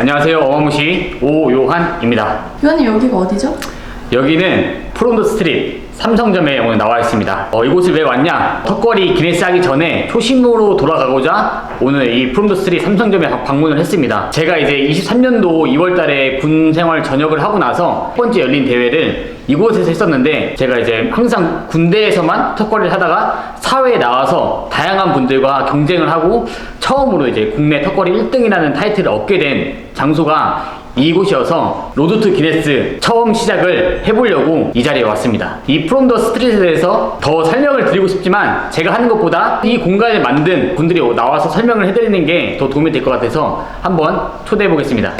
안녕하세요. 어마무시 오요한입니다. 요한님 여기가 어디죠? 여기는 프롬더 스트릿 삼성점에 오늘 나와 있습니다. 이곳을 왜 왔냐? 턱걸이 기네스 하기 전에 초심으로 돌아가고자 오늘 이 프롬더 스트릿 삼성점에 방문을 했습니다. 제가 이제 23년도 2월달에 군 생활 전역을 하고 나서 첫 번째 열린 대회를 이곳에서 했었는데, 제가 이제 항상 군대에서만 턱걸이를 하다가 사회에 나와서 다양한 분들과 경쟁을 하고 처음으로 이제 국내 턱걸이 1등이라는 타이틀을 얻게 된 장소가 이곳이어서 로드 투 기네스 처음 시작을 해보려고 이 자리에 왔습니다. 이 프롬 더 스트릿에 대해서 더 설명을 드리고 싶지만 제가 하는 것보다 이 공간을 만든 분들이 나와서 설명을 해드리는 게 더 도움이 될 것 같아서 한번 초대해 보겠습니다.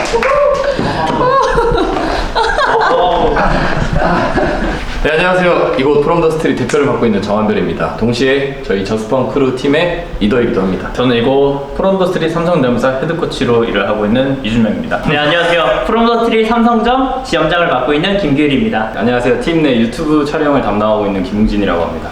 네, 안녕하세요. 이곳 프롬 더 스트릿 대표를 맡고 있는 정한별입니다. 동시에 저희 저스펀 크루 팀의 리더이기도 합니다. 저는 이곳 프롬 더 스트릿 삼성점사 헤드코치로 일을 하고 있는 이준명입니다. 네, 안녕하세요. 프롬 더 스트릿 삼성점 지점장을 맡고 있는 김규일입니다. 안녕하세요. 팀 내 유튜브 촬영을 담당하고 있는 김웅진이라고 합니다.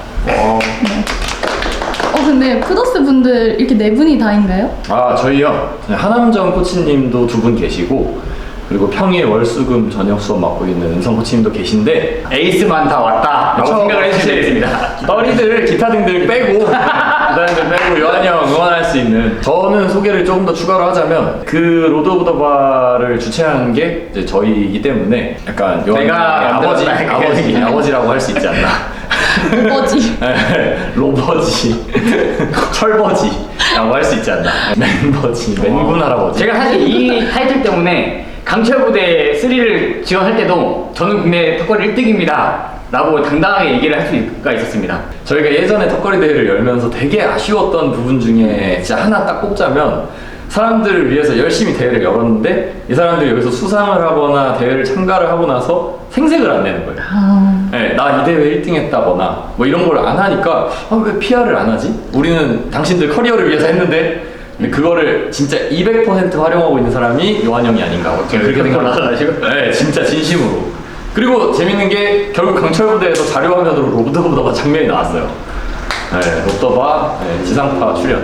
근데 푸더스 분들 이렇게 네 분이 다인가요? 저희요. 하남정 코치님도 두 분 계시고, 그리고 평일 월수금 저녁 수업 맡고 있는 은성 코치님도 계신데, 에이스만 다 왔다 라고 생각을 해주시면 되겠습니다. 떨이들, 기타 등들 빼고 기타등들 빼고 요한이 형 응원할 수 있는, 저는 소개를 조금 더 추가로 하자면 그 로드 오브 더 바를 주최하는 게 이제 저희이기 때문에 약간 요한이 내가 아버지라고 할 수 있지 않나. 로버지. 로버지 철버지라고 할 수 있지 않나. 맨버지, 맨군 할아버지. 제가 사실 이 타이틀 때문에 강철부대 3를 지원할 때도 저는 국내 턱걸이 1등입니다 라고 당당하게 얘기를 할 수가 있었습니다. 저희가 예전에 턱걸이 대회를 열면서 되게 아쉬웠던 부분 중에 진짜 하나 딱 꼽자면, 사람들을 위해서 열심히 대회를 열었는데 이 사람들이 여기서 수상을 하거나 대회를 참가를 하고 나서 생색을 안 내는 거예요. 네, 나 이 대회 1등 했다거나 뭐 이런 걸 안 하니까 왜 PR을 안 하지? 우리는 당신들 커리어를 위해서 했는데. 근데 그거를 진짜 200% 활용하고 있는 사람이 요한 형이 아닌가, 그렇게 생각을 하시고. 네, 진짜 진심으로. 그리고 재밌는 게 결국 강철부대에서 자료화면으로 로드 오브 더바 장면이 나왔어요. 네, 로더바 지상파 출연.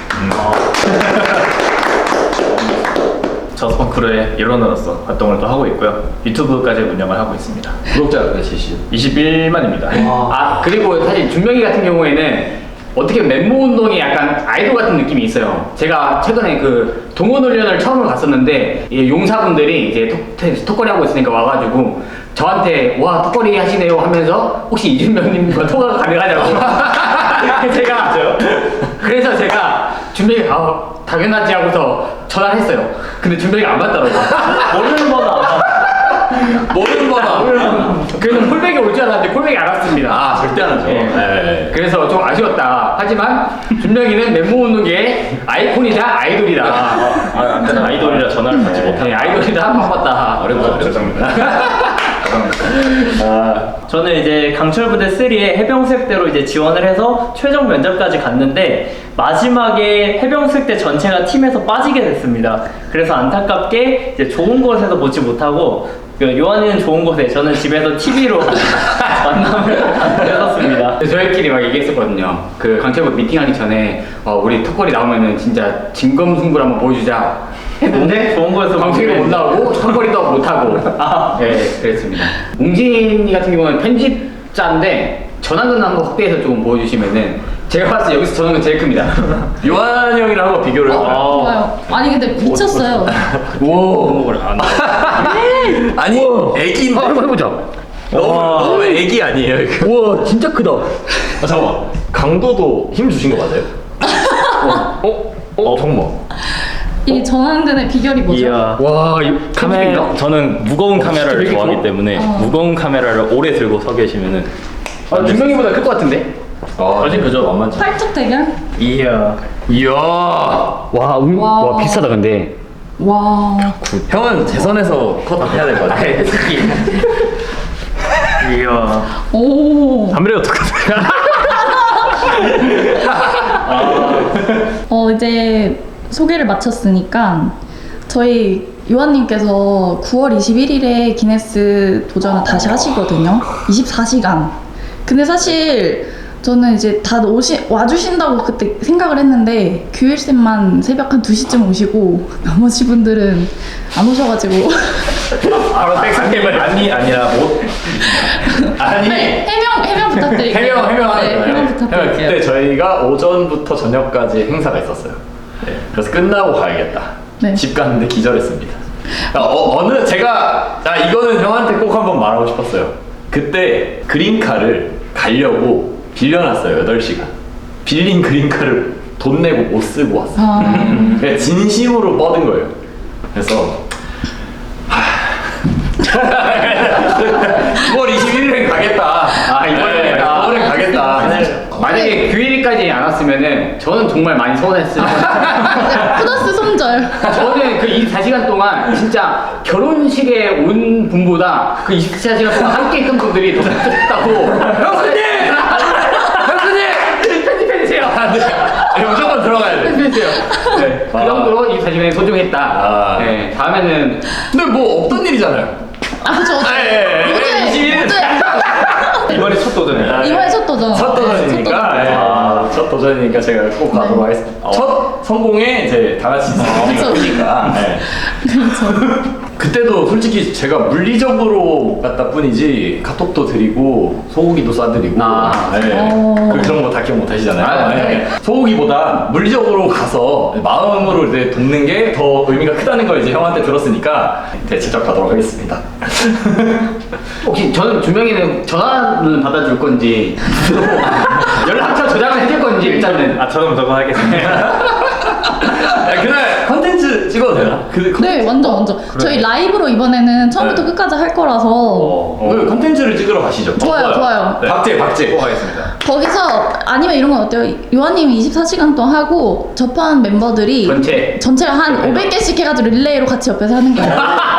저스펀 크루의 일원으로서 활동을 또 하고 있고요. 유튜브까지 운영을 하고 있습니다. 구독자 몇이시죠? 21만입니다. 그리고 사실 준명이 같은 경우에는 어떻게 맨몸 운동이 약간 아이돌 같은 느낌이 있어요. 제가 최근에 그 동원 훈련을 처음으로 갔었는데, 이 용사분들이 이제 턱걸이 하고 있으니까 와가지고 저한테 와 턱걸이 하시네요 하면서 혹시 이준명님과 통화가 가능하냐고. 그래서 제가 준명이 당연하지 하고서 전화를 했어요. 근데 준명이가 안 받더라고요. 모르는 번호 안 받아. 모르는 거다. 그래서 콜백이 올 줄 알았는데 콜백이 안 왔습니다. 절대 안 하죠. 네. 그래서 좀 아쉬웠다. 하지만 준명이는 맨몸 운동계의 아이콘이자 아이돌이다. 안 되나? 아이돌이라 전화를 받지 못하는. 네, 아이돌이다. 반갑다. 어렵죠. 죄송합니다. 저는 이제 강철부대 3에 해병수색대로 이제 지원을 해서 최종 면접까지 갔는데 마지막에 해병수색대 전체가 팀에서 빠지게 됐습니다. 그래서 안타깝게 이제 좋은 곳에서 보지 못하고, 요한이는 좋은 곳에, 저는 집에서 TV로 만남을 했었습니다. 저희끼리 막 얘기했었거든요. 그 강철부 미팅하기 전에 우리 턱걸이 나오면은 진짜 진검승부를 한번 보여주자 했는데 좋은 곳에서 방송에도 못 나오고 턱걸이도 못하고 네, 그랬습니다. 웅진이 같은 경우는 편집자인데 전화는 한번 확대해서 조금 보여주시면은, 제가 봤을 때 여기서 전화는 제일 큽니다. 요한 형이랑 한번 비교를 해봐요. 좋아요. 아니 근데 미쳤어요. 목을 안 아니, 애기인데. 한번 해보자. 너무 애기 아니에요, 이거? 우와 진짜 크다. 잠깐만. 강도도 힘 주신 거 맞아요? 잠깐만. 이 전환근의 비결이 뭐죠? 이야. 와 이 카메라, 저는 무거운 카메라를 되게 좋아하기 커? 때문에 무거운 카메라를 오래 들고 서 계시면은 준명이보다 클 것 같은데? 아직 그저 만만치. 팔뚝 대결? 이야. 이야. 와 비싸다 근데. 와. 형은 재선에서 컷 해야 될 것 같아. 이야. 오. 담배 어떡하세요? 이제 소개를 마쳤으니까 저희 요한님께서 9월 21일에 기네스 도전을 다시 하시거든요. 24시간. 근데 사실 저는 이제 다 와주신다고 그때 생각을 했는데 규일쌤만 새벽 한 2시쯤 오시고 나머지 분들은 안 오셔가지고 바로 백상님을 아니라 못 아니 네, 해명 부탁드릴게요. 해명하는 해명 부탁드릴게요. 그때 저희가 오전부터 저녁까지 행사가 있었어요. 네, 그래서 끝나고 가야겠다. 네. 집 갔는데 기절했습니다. 제가 이거는 형한테 꼭 한번 말하고 싶었어요. 그때 그린카를 가려고 빌려놨어요. 8시간. 빌린 그린카를 돈 내고 못 쓰고 왔어요. 그냥 진심으로 뻗은 거예요. 그래서 9월 21일엔 가겠다. 이번엔 가겠다. 이번엔 가겠다. 만약에 규일이까지 안 왔으면은 저는 정말 많이 서운했을 거예요. 플러스 손절. 저는 그 24시간 동안 진짜 결혼식에 온 분보다 그 24시간 동안 함께 있던 분들이 더 좋다고. 형수님! 형수님! 편집해주세요. 무조건 들어가야 돼. 편집해주세요. 네, 그 정도로 24시간이 소중했다. 네, 다음에는. 근데 뭐 없던 일이잖아요. 그쵸. 이번에 첫 도전이에요. 이번에 첫 도전. 첫 도전이니까 첫 도전이니까 제가 꼭 가도록 하겠습니다. 첫 성공에 이제 다 같이 그쵸. 있으니까. 그렇죠. 그때도 솔직히 제가 물리적으로 못 갔다 뿐이지 카톡도 드리고 소고기도 싸드리고 그런 거 다 기억 못 하시잖아요. 네. 소고기보다 물리적으로 가서 마음으로 이제 돕는 게 더 의미가 크다는 걸 이제 형한테 들었으니까 제작하도록 하겠습니다. 혹시 저는 주명이는 전화는 받아줄 건지 연락처 저장을 해줄 건지 일단은. 저는 무조건 하겠습니다. 그날 컨텐츠 찍어도 되나? 네, 완전. 저희 라이브로 이번에는 처음부터 끝까지 할 거라서. 그 컨텐츠를 찍으러 가시죠. 좋아요. 네. 박제 꼭 하겠습니다. 거기서 아니면 이런 건 어때요? 요한님이 24시간 동안 하고 접한 멤버들이 전체가 한 500개씩 해가지고 릴레이로 같이 옆에서 하는 거예요.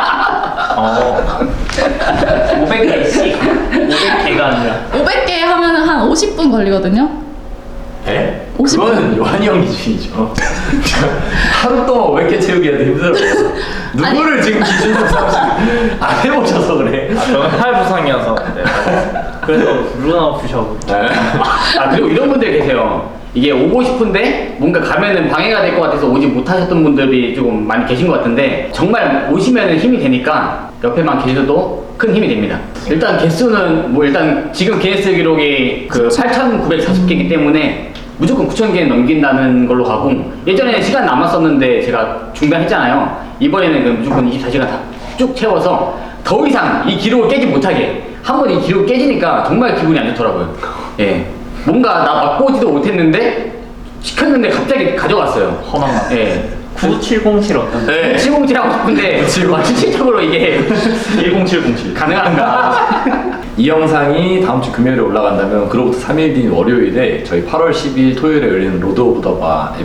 500개씩 500개가 아니라 500개 하면은 한 50분 걸리거든요. 네? 50분. 그거는 요한이 형 기준이죠. 하루 동안 500개 채우기 해도 힘들어요. 누구를 지금 기준으로 삼으시는 안 해보셔서 그래. 저는 팔 부상이어서. 네. 그래서 루나 푸셔고. 그리고 이런 분들 계세요. 이게 오고 싶은데 뭔가 가면은 방해가 될 것 같아서 오지 못하셨던 분들이 조금 많이 계신 것 같은데 정말 오시면은 힘이 되니까 옆에만 계셔도 큰 힘이 됩니다. 일단 개수는 뭐 일단 지금 기네스 기록이 그 8,940개이기 때문에 무조건 9,000개 넘긴다는 걸로 가고, 예전에 시간 남았었는데 제가 중단했잖아요. 이번에는 그 무조건 24시간 다 쭉 채워서 더 이상 이 기록을 깨지 못하게. 한번 이 기록 깨지니까 정말 기분이 안 좋더라고요. 예. 뭔가 나 맛보지도 못했는데 시켰는데 갑자기 가져갔어요. 허망한. 예. 9707 어떤? 네. 707 하고 싶은데 실질적으로 이게 10707 가능한가? 이 영상이 다음 주 금요일에 올라간다면 그로부터 3일 뒤인 월요일에 저희 8월 10일 토요일에 열리는 로드 오브 더 바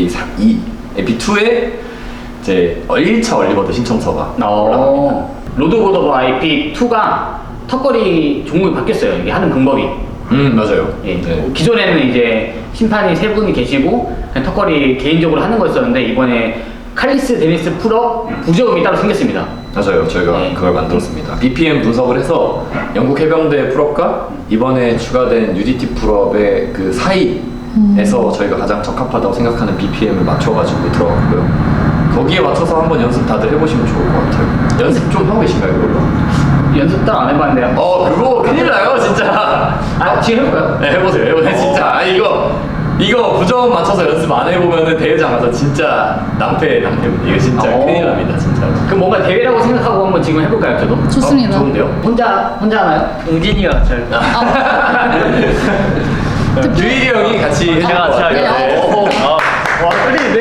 에피2에 이제 1차 얼리버드 신청서가 올라갑니다. 로드 오브 더 바 IP2가 턱걸이 종목이 바뀌었어요. 이게 하는 방법이. 맞아요. 예. 네. 기존에는 이제 심판이 3분이 계시고 그냥 턱걸이 개인적으로 하는 거였었는데 이번에 칼리스 데니스 풀업 부저음이 따로 생겼습니다. 맞아요. 저희가 네. 그걸 만들었습니다. BPM 분석을 해서 영국 해병대 풀업과 이번에 추가된 UDT 풀업의 그 사이에서 저희가 가장 적합하다고 생각하는 BPM을 맞춰가지고 들어갔고요. 거기에 맞춰서 한번 연습 다들 해보시면 좋을 것 같아요. 연습 좀 하고 계신가요, 그걸로? 연습 따로 안 해봤는데요. 그거 큰일 나요, 진짜. 지금 해볼까요? 네, 해보세요. 진짜. 이거 부정 맞춰서 연습 안 해보면은 대회장 가서 진짜 낭패. 이거 진짜 큰일 납니다, 진짜. 그럼 뭔가 대회라고 생각하고 한번 지금 해볼까요, 저도? 좋습니다. 좋은데요? 혼자 하나요? 웅진이가 잘. 유일이 형이 같이 해줄 제가 것 같아요. 네. 와, 떨리는데?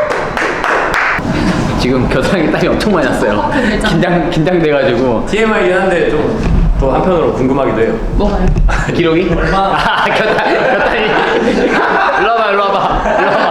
지금 겨드랑이 땀이 엄청 많이 났어요. 긴장돼가지고. TMI긴 한데 좀 또 한편으로 궁금하기도 해요. 뭐가요? 기록이? 겨드랑이. 일로 와봐.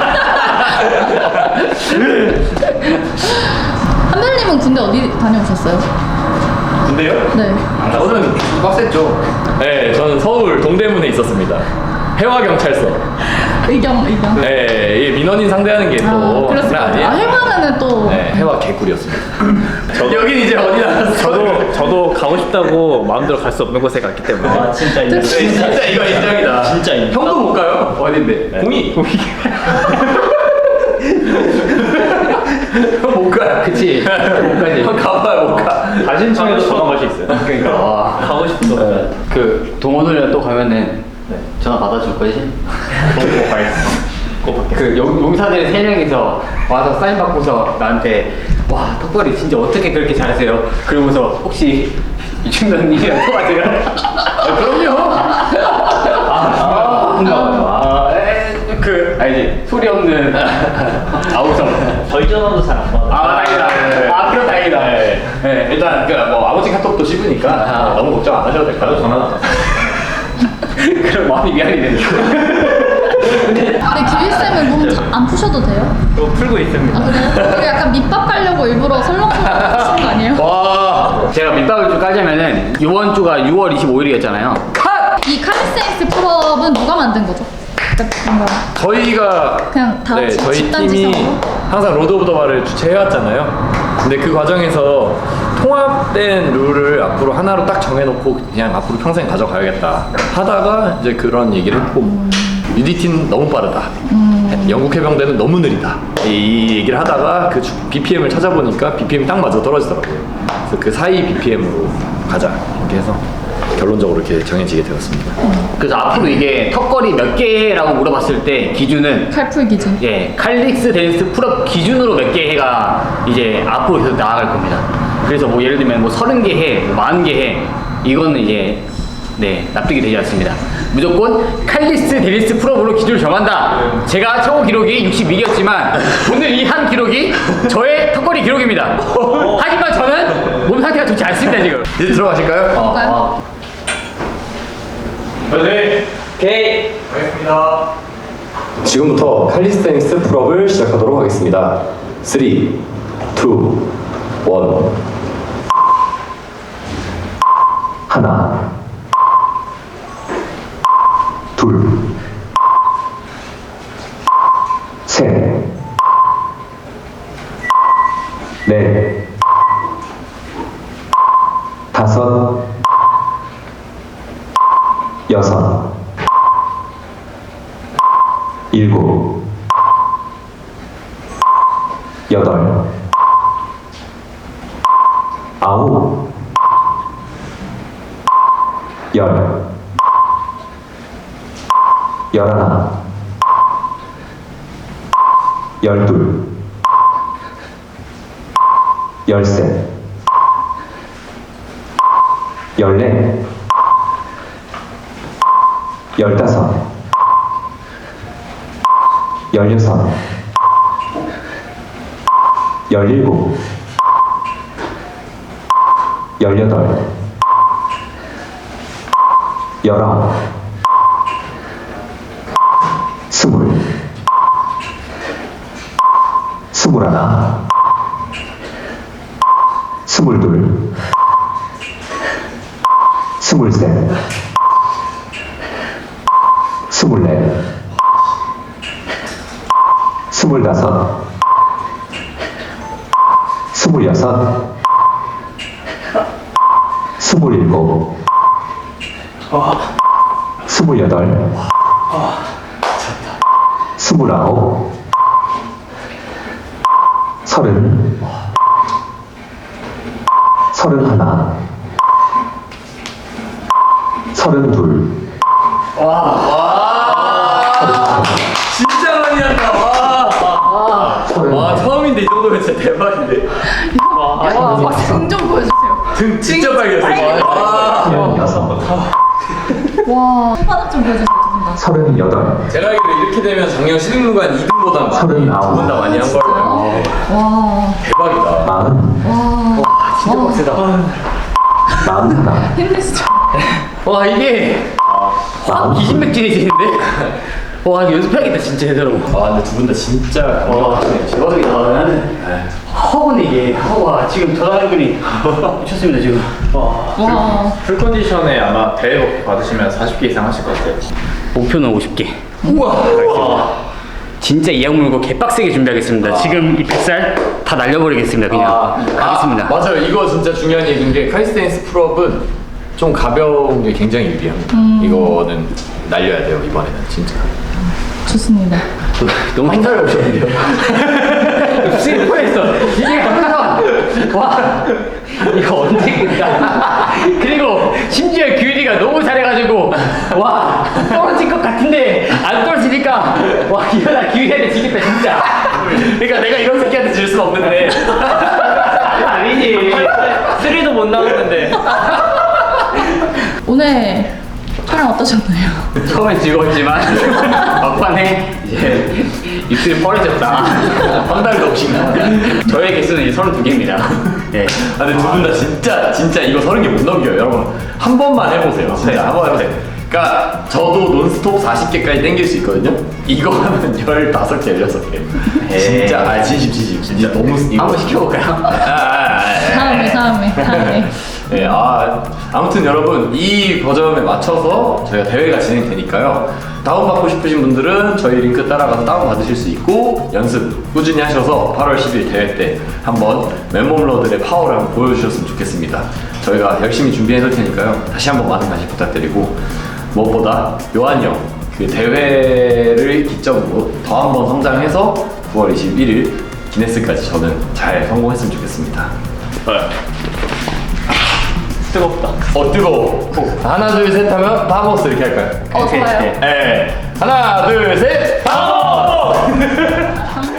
한별님은 군대 어디 다녀오셨어요? 근데요? 네. 저는 빡셌죠. 네, 저는 서울 동대문에 있었습니다. 해화경찰서. 의경. 네, 이 민원인 상대하는 게 또 그랬을 것 같아요. 해방은 또. 네, 해와 개꿀이었습니다. 여긴 이제 어디 나갔어? 저도 가고 싶다고 마음대로 갈 수 없는 곳에 갔기 때문에. 아 진짜 인정. 진짜 이거 인정이다. 진짜 인정. 형도 못 가요? 어딘데? 공이. 형 못 가. 그치. 못 가지. 형 가봐요, 못 가. 단신청에도 전화 갈 수 있어요. 그러니까. 와. 가고 싶어. 그 동호들이랑 또 가면은 전화 받아줄 거지? 꼭 가겠습니다. 꼭 받겠습니다. 그 용사들 3명이서 와서 사인 받고서 나한테 와 턱걸이 진짜 어떻게 그렇게 잘하세요? 그러고서 혹시 이충전님이랑 통화돼요? 그럼요. 알지 소리 없는 아우성. 저희 전화도 잘 안 받아. 다행이다. 그럼 다행이다. 네, 일단 뭐 아버지 카톡도 씹으니까 너무 걱정 안 하셔도 될 것 같아요. 전화는 안 왔어요. 그럼 마음이 미안이 되니까. 근데 규일쌤은 몸 안 푸셔도 돼요? 또 풀고 있습니다. 아 그래요? 그리고 약간 밑밥 깔려고 일부러 설렁설렁 푸시는 거 아니에요? 와, 제가 밑밥을 좀 깔자면은 이번 주가 6월 25일이었잖아요. 이 카리스엑스 풀업은 누가 만든 거죠? 그러니까 뭔가 저희가 그냥 다 같이 저희 집단 팀이 지성으로? 항상 로드 오브 더 바를 주최해왔잖아요. 근데 그 과정에서 통합된 룰을 앞으로 하나로 딱 정해놓고 그냥 앞으로 평생 가져가야겠다 하다가 이제 그런 얘기를 했고 UDT는 너무 빠르다. 영국 해병대는 너무 느리다. 이 얘기를 하다가 그 BPM을 찾아보니까 BPM이 딱 맞아 떨어지더라고요. 그래서 그 사이 BPM으로 가자 이렇게 해서 결론적으로 이렇게 정해지게 되었습니다. 그래서 앞으로 이게 턱걸이 몇 개라고 물어봤을 때 기준은 칼풀 기준. 칼릭스 댄스 풀업 기준으로 몇 개 해가 이제 앞으로 계속 나아갈 겁니다. 그래서 뭐 예를 들면 뭐 30개 해, 뭐 40개 해 이거는 이제 납득이 되지 않습니다. 무조건 칼리스 데니스 풀업으로 기준을 정한다. 제가 최고 기록이 62였지만 오늘 이 한 기록이 저의 턱걸이 기록입니다. 하지만 저는 몸 상태가 좋지 않습니다 지금. 이제 들어가실까요? 볼까요? 네. 오케이. 알겠습니다. 지금부터 칼리스테닉스 풀업을 시작하도록 하겠습니다. 3, 2, 1 하나 둘 셋 넷 다섯 여섯 일곱 여덟 아홉 열 열하나 열둘 열셋 열넷 열다섯 열여섯 열일곱 열여덟 열아홉 스물 스물하나 스물둘 스물셋 스물넷 스물다섯 스물여섯 스물일곱 스물여덟 스물아홉 서른 서른하나 서른둘 진짜 많이 한다. 와 처음인데 이 정도면 진짜 대박인데. 등좀 보여주세요. 등 진짜 빨개졌어. 와, 손바닥 좀 보여주세요. 두분 다. 서른여덟. 제가 알기로 이렇게 되면 작년 신입무관 2등보다 많이 서른아홉. 두분 다 많이 한 걸로. 와, 대박이다. 와, 진짜 빡세다. 마흔하나. 힘내시죠. 와 이게 확 기진맥진해지는데? 와 이거 연습해야겠다 진짜 제대로. 아 근데 두 분 다 진짜 와 대박이다. 나는 허건 이게 와 지금 전화연결이 미쳤습니다 지금. 와, 풀 컨디션에 아마 대회 받으시면 40개 이상 하실 것 같아요. 목표는 50개. 우와. 진짜 이 악물고 개빡세게 준비하겠습니다. 지금 이 뱃살 다 날려버리겠습니다. 그냥 가겠습니다. 맞아요. 이거 진짜 중요한 얘기인 게 칼스테니스 풀업은 좀 가벼운 게 굉장히 유리합니다. 이거는 날려야 돼요. 이번에는 진짜. 좋습니다. 너무 한 달에 오셨는데요? 슬퍼했어. 이게 한번 와 이거 언제 끝나? 그리고 심지어 규리가 너무 잘해가지고 와 떨어질 것 같은데 안 떨어지니까 와 이러다 규리한테 지겠다 진짜. 그러니까 내가 이런 새끼한테 질 수는 없는데 아니지. 3도 못 나오는데. 오늘 촬영 어떠셨나요? 처음엔 즐거웠지만 막판에 이제 입술이 뻘해졌다. 한 달도 없이 저의 개수는 이제 32개입니다. 네. 아, 근데 두 분 다 진짜 이거 30개 못 넘겨요. 여러분 한 번만 해보세요. 진짜 한 번 해보세요. 그러니까 저도 논스톱 40개까지 땡길 수 있거든요. 이거 하면 15개, 16개. 진짜 진심 너무 한번 시켜볼까요? 다음에. 네, 아무튼 여러분 이 버전에 맞춰서 저희가 대회가 진행되니까요. 다운받고 싶으신 분들은 저희 링크 따라가서 다운받으실 수 있고 연습 꾸준히 하셔서 8월 10일 대회 때 한번 맨몸러들의 파워를 한번 보여주셨으면 좋겠습니다. 저희가 열심히 준비해 놓을 테니까요. 다시 한번 많은 관심 부탁드리고 무엇보다 요한이 형 그 대회를 기점으로 더 한번 성장해서 9월 21일 기네스까지 저는 잘 성공했으면 좋겠습니다. 뜨겁다. 뜨거워. 하나 둘 셋 하면 바보스 이렇게 할까요? 좋아요. 네. 하나 둘 셋 바보스.